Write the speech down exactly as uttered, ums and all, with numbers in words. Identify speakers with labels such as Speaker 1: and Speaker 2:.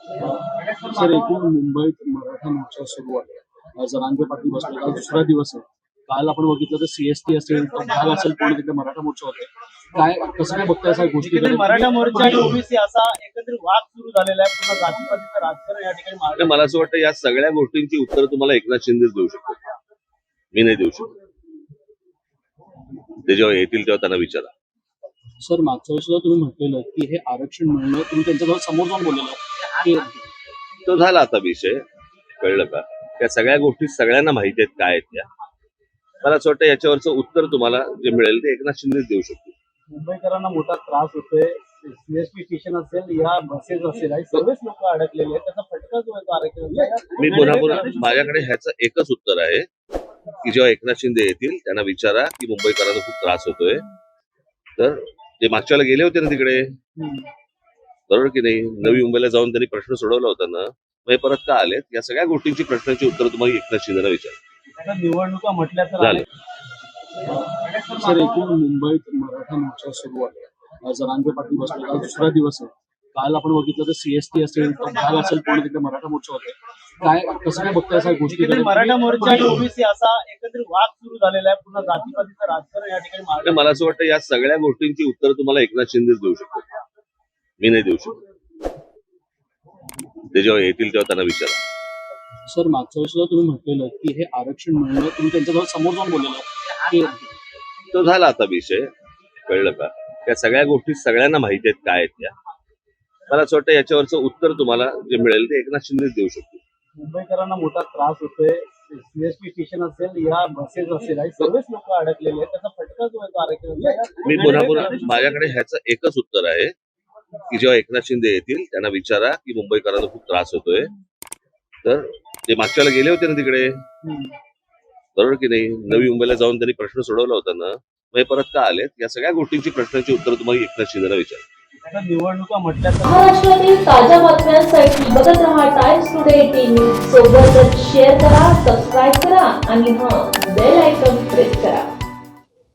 Speaker 1: Sir, एकूण मुंबईत मराठा मोर्चा सुरू आहे. अ, जरांगे पाटील बसले. आज दुसरा दिवस आहे. काल आपण बघितलं तर सीएसटी असेल, तर भाग असेल, पूर्ण तिथे मराठा मोर्चा होते. काय कसं काय बघताय सर गोष्टी?
Speaker 2: तिकडे मराठा मोर्चा आणि ओबीसी असा एकत्रित वाद सुरू झालेला आहे. पुन्हा जातीपातीचं राजकारण या ठिकाणी मागे.
Speaker 3: मला असं वाटतं या सगळ्या गोष्टींची उत्तर तुम्हाला एकनाथ शिंदेच देऊ शकतो, मी नाही देऊ शकतो. ते जेव्हा येतील तेव्हा त्यांना विचारा.
Speaker 1: सर, मागच्या वेळेस सुद्धा तुम्ही म्हटलेलं की हे आरक्षण मिळणं, तुम्ही त्यांच्याजवळ समोर जाऊन बोललेलं की
Speaker 3: तो झाला आता विषय, कळलं का? त्या सगळ्या गोष्टी सगळ्यांना माहिती आहेत काय आहेत त्या. मला असं वाटतं याच्यावरचं उत्तर तुम्हाला जे मिळेल ते एकनाथ शिंदेच देऊ शकतो.
Speaker 2: मुंबईकरांना मोठा त्रास होतोय. सीएसटी स्टेशन असेल या बसेस असेल आणि सर्वच लोक अडकलेले आहेत. त्याचा फटका जो आहे तो आरक्षणाचा.
Speaker 3: मी पुन्हा पुन्हा माझ्याकडे ह्याचं एकच उत्तर आहे की जेव्हा एकनाथ शिंदे येतील त्यांना विचारा की मुंबईकरांना खूप त्रास होतोय. तर ते मागच्या वेळेला गेले होते ना तिकडे, बरोबर की नाही? नवी मुंबईला जाऊन त्यांनी प्रश्न सोडवला होता ना, मग हे परत का आलेत? या सगळ्या गोष्टींची प्रश्नांची उत्तर तुम्हाला एकनाथ शिंदेला विचारा.
Speaker 2: निवडणुका म्हटल्या तर
Speaker 3: झाले.
Speaker 1: सर, एकूण मुंबईत मराठा मोर्चा सुरू आहे. अ, जरांगे पाटील बसले. आज दुसरा दिवस आहे. काल आपण बघितलं तर सीएसटी असेल, तर भाग असेल, पूर्ण तिथे मराठा मोर्चा होते. काय कसं काय बघताय सर गोष्टी?
Speaker 2: तिकडे मराठा मोर्चा आणि ओबीसी असा एकत्रित वाद सुरू झालेला आहे. पुन्हा जातीपातीचं राजकारण या ठिकाणी मागे.
Speaker 3: मला असं वाटतं या सगळ्या गोष्टींची उत्तर तुम्हाला एकनाथ शिंदेच देऊ शकतो, मी नाही देऊ शकतो. ते जेव्हा येतील तेव्हा त्यांना विचारा.
Speaker 1: सर, मागच्या वेळेस सुद्धा तुम्ही म्हटलेलं की हे आरक्षण मिळणं, तुम्ही त्यांच्याजवळ समोर जाऊन बोललेलं की
Speaker 3: तो झाला आता विषय, कळलं का? त्या सगळ्या गोष्टी सगळ्यांना माहिती आहेत काय आहेत त्या. मला असं वाटतं याच्यावरचं उत्तर तुम्हाला जे मिळेल ते एकनाथ शिंदेच देऊ शकतो.
Speaker 2: मुंबईकरांना मोठा त्रास होतोय. सीएसटी स्टेशन असेल या बसेस असेल आणि सर्वच लोक अडकलेले आहेत. त्याचा फटका जो आहे तो आरक्षणाचा.
Speaker 3: मी पुन्हा पुन्हा माझ्याकडे ह्याचं एकच उत्तर आहे की जेव्हा एकनाथ शिंदे येतील त्यांना विचारा की मुंबईकरांना खूप त्रास होतोय. तर ते मागच्या वेळेला गेले होते ना तिकडे, बरोबर की नाही? नवी मुंबईला जाऊन त्यांनी प्रश्न सोडवला होता ना, मग हे परत का आलेत? या सगळ्या गोष्टींची प्रश्नांची उत्तर तुम्हाला एकनाथ शिंदेला विचारा.
Speaker 2: निवडणुका म्हटल्या तर
Speaker 4: महाराष्ट्रातील ताज्या बातम्यांसाठी बघत रहा टाइम्स टुडे टीव्ही. सोबतच शेअर करा, सबस्क्राईब करा आणि हां, बेल आयकॉन प्रेस करा.